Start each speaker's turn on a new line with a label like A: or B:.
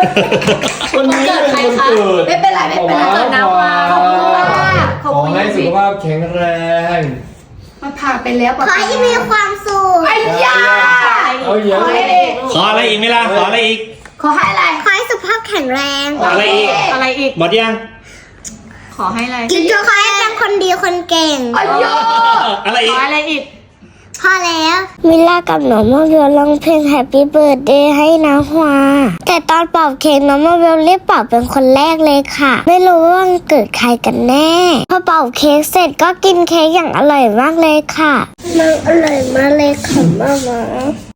A: วันนี้เป็นวันเกิด
B: ไม่เป็นไรไม่เป็นไร
A: ขอบคุณ
B: นะว่าขอบคุณมากขอบ
A: ขอ
B: คุณ
A: ให้สุขภาพแข็งแรง
B: มันผ่านไปแล้ว
C: ขอให้มีความสุข
B: ไอ้ยา
A: เอาเยอะ
D: ขออะไรอีกไหมล่ะขออะไรอีก
B: ขอให้อะไร
C: ขอให้สุขภาพแข็งแรง
D: อะไรอีก
E: อะไรอีก
D: หมดยัง
E: ขอให้อะไร
C: ขอให้เป็นคนดีคนเก่ง
B: ไอ้ยา
D: อะไร
E: ข
D: อี
E: อก อะไรอีก
C: พอแล้วมิลล่ากับน้องมาเวลร้องเพลง Happy Birthday ให้น้าฮวาแต่ตอนเป่าเค้กน้องมาเวลรีบเป่าเป็นคนแรกเลยค่ะ ไม่รู้ว่าวันเกิดใครกันแน่ พอเป่าเค้กเสร็จก็กินเค้กอย่างอร่อยมากเลยค่ะมันอร่อยมากเลยค่ะมา